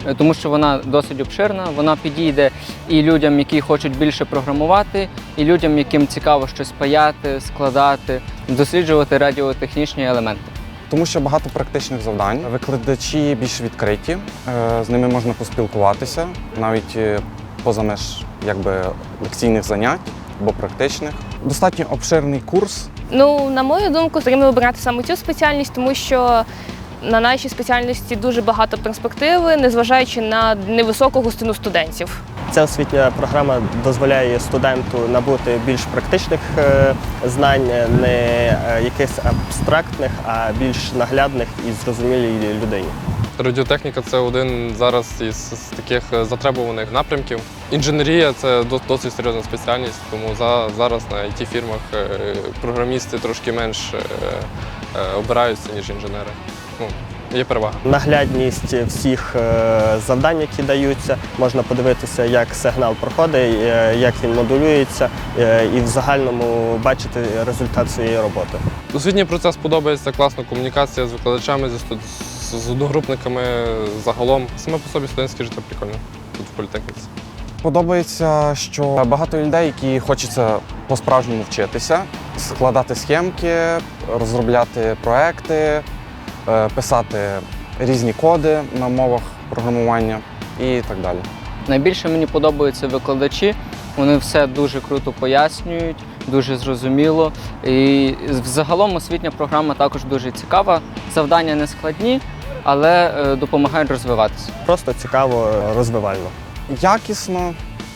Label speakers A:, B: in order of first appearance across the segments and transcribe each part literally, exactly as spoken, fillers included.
A: тому що вона досить обширна, вона підійде і людям, які хочуть більше програмувати, і людям, яким цікаво щось паяти, складати, досліджувати радіотехнічні елементи.
B: Тому що багато практичних завдань, викладачі більш відкриті, з ними можна поспілкуватися, навіть поза меж якби, лекційних занять або практичних. Достатньо обширний курс.
C: Ну, на мою думку, потрібно вибирати саме цю спеціальність, тому що на нашій спеціальності дуже багато перспективи, незважаючи на невисоку густину студентів.
D: Ця освітня програма дозволяє студенту набути більш практичних знань, не якихось абстрактних, а більш наглядних і зрозумілій людині.
E: Радіотехніка – це один зараз із таких затребуваних напрямків. Інженерія – це досить серйозна спеціальність, тому зараз на ай ті-фірмах програмісти трошки менш обираються, ніж інженери. Ну, є перевага.
D: Наглядність всіх завдань, які даються, можна подивитися, як сигнал проходить, як він модулюється і в загальному бачити результат своєї роботи.
E: Освітній процес подобається, класна комунікація з викладачами, з одногрупниками загалом. Саме по собі студентське життя прикольне тут в політехніці.
B: Подобається, що багато людей, які хочеться по-справжньому вчитися, складати схемки, розробляти проекти, писати різні коди на мовах програмування і так далі.
A: Найбільше мені подобаються викладачі, вони все дуже круто пояснюють, дуже зрозуміло. І взагалом освітня програма також дуже цікава, завдання не складні, але допомагають розвиватися.
D: Просто цікаво, розвивально.
B: Якісно,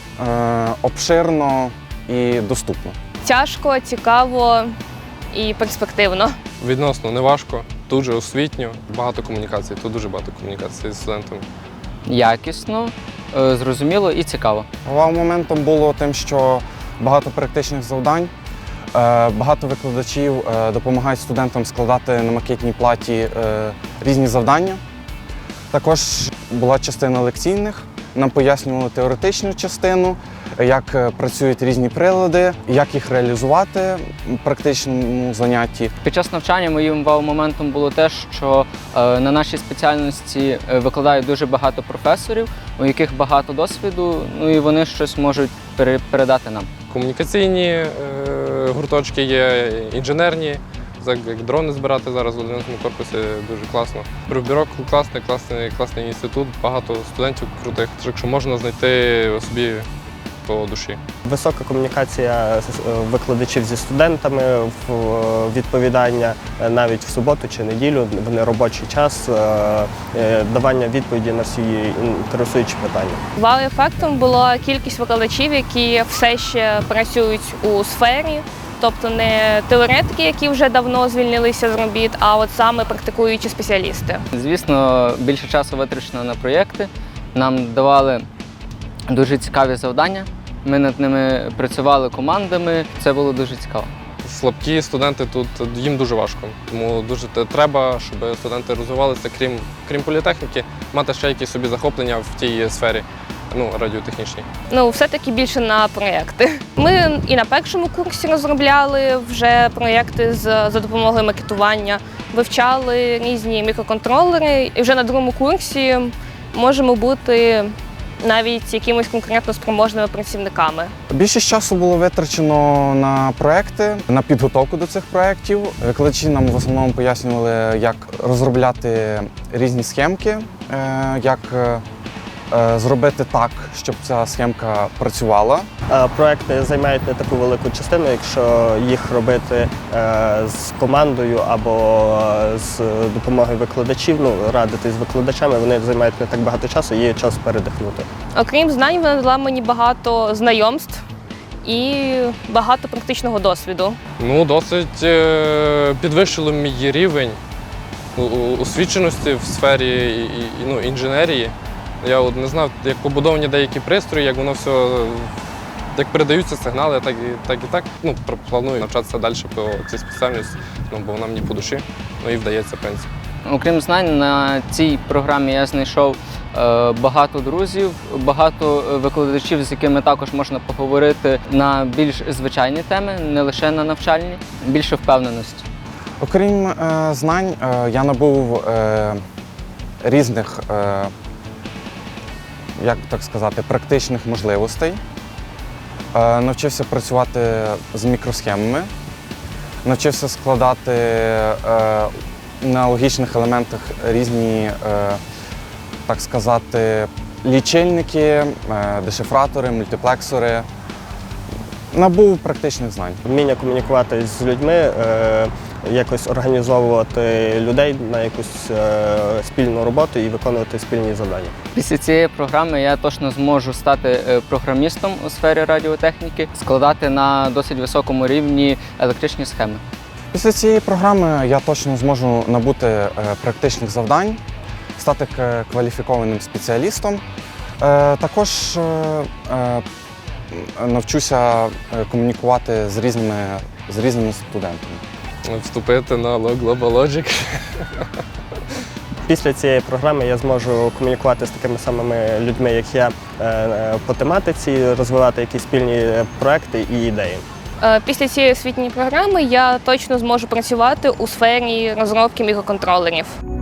B: обширно і доступно.
C: Тяжко, цікаво і перспективно.
E: Відносно неважко, дуже освітньо, багато комунікацій, тут дуже багато комунікацій з студентами.
A: Якісно, зрозуміло і цікаво.
B: Головним моментом було тим, що багато практичних завдань, багато викладачів допомагають студентам складати на макетній платі різні завдання. Також була частина лекційних, нам пояснювали теоретичну частину, як працюють різні прилади, як їх реалізувати в практичному занятті.
A: Під час навчання моїм вау-моментом було те, що на нашій спеціальності викладають дуже багато професорів, у яких багато досвіду, ну і вони щось можуть передати нам.
E: Комунікаційні е, гурточки є, інженерні, як дрони збирати зараз в одинадцятому корпусі дуже класно. Профбюро класний, класний, класний інститут, багато студентів крутих, так що можна знайти собі по душі.
D: Висока комунікація викладачів зі студентами, відповідання навіть в суботу чи неділю, в неробочий час, давання відповіді на всі інтересуючі питання.
C: Вау-ефектом була кількість викладачів, які все ще працюють у сфері. Тобто не теоретики, які вже давно звільнилися з робіт, а от саме практикуючі спеціалісти.
A: Звісно, більше часу витрачено на проєкти. Нам давали дуже цікаві завдання. Ми над ними працювали командами. Це було дуже цікаво.
E: Слабкі студенти тут, їм дуже важко. Тому дуже треба, щоб студенти розвивалися, крім, крім політехніки, мати ще якісь собі захоплення в тій сфері. Ну, радіотехнічні.
C: Ну, все-таки більше на проєкти. Ми і на першому курсі розробляли вже проєкти з, за допомогою макетування, вивчали різні мікроконтролери, і вже на другому курсі можемо бути навіть якимось конкретно спроможними працівниками.
B: Більшість часу було витрачено на проекти, на підготовку до цих проєктів. Викладачі нам в основному пояснювали, як розробляти різні схемки, як зробити так, щоб ця схемка працювала.
D: Проекти займають не таку велику частину, якщо їх робити з командою або з допомогою викладачів, ну, радити з викладачами, вони займають не так багато часу, є час передихнути.
C: Окрім знань, вона дала мені багато знайомств і багато практичного досвіду.
E: Ну, досить підвищило мій рівень освіченості в сфері ну, інженерії. Я от не знав, як побудовані деякі пристрої, як воно все, як передаються сигнали, так і так. І так. Ну, планую навчатися далі по цій спеціальності, ну, бо вона мені по душі, ну і вдається, в принципі.
A: Окрім знань, на цій програмі я знайшов е, багато друзів, багато викладачів, з якими також можна поговорити на більш звичайні теми, не лише на навчальні, більше впевненості.
B: Окрім е, знань, е, я набув е, різних е, як так сказати, практичних можливостей. Е, Навчився працювати з мікросхемами, навчився складати е, на логічних елементах різні, е, так сказати, лічильники, е, дешифратори, мультиплексори. Набув практичних знань.
D: Вміння комунікувати з людьми, е, якось організовувати людей на якусь е, спільну роботу і виконувати спільні завдання.
A: Після цієї програми я точно зможу стати е, програмістом у сфері радіотехніки, складати на досить високому рівні електричні схеми.
B: Після цієї програми я точно зможу набути е, практичних завдань, стати к- кваліфікованим спеціалістом. Е, Також е, е, навчуся е, комунікувати з різними, з різними студентами.
E: Вступити на Global Logic.
D: Після цієї програми я зможу комунікувати з такими самими людьми, як я, е, по тематиці, розвивати якісь спільні проекти і ідеї.
C: Е, Після цієї освітньої програми я точно зможу працювати у сфері розробки мікроконтролерів.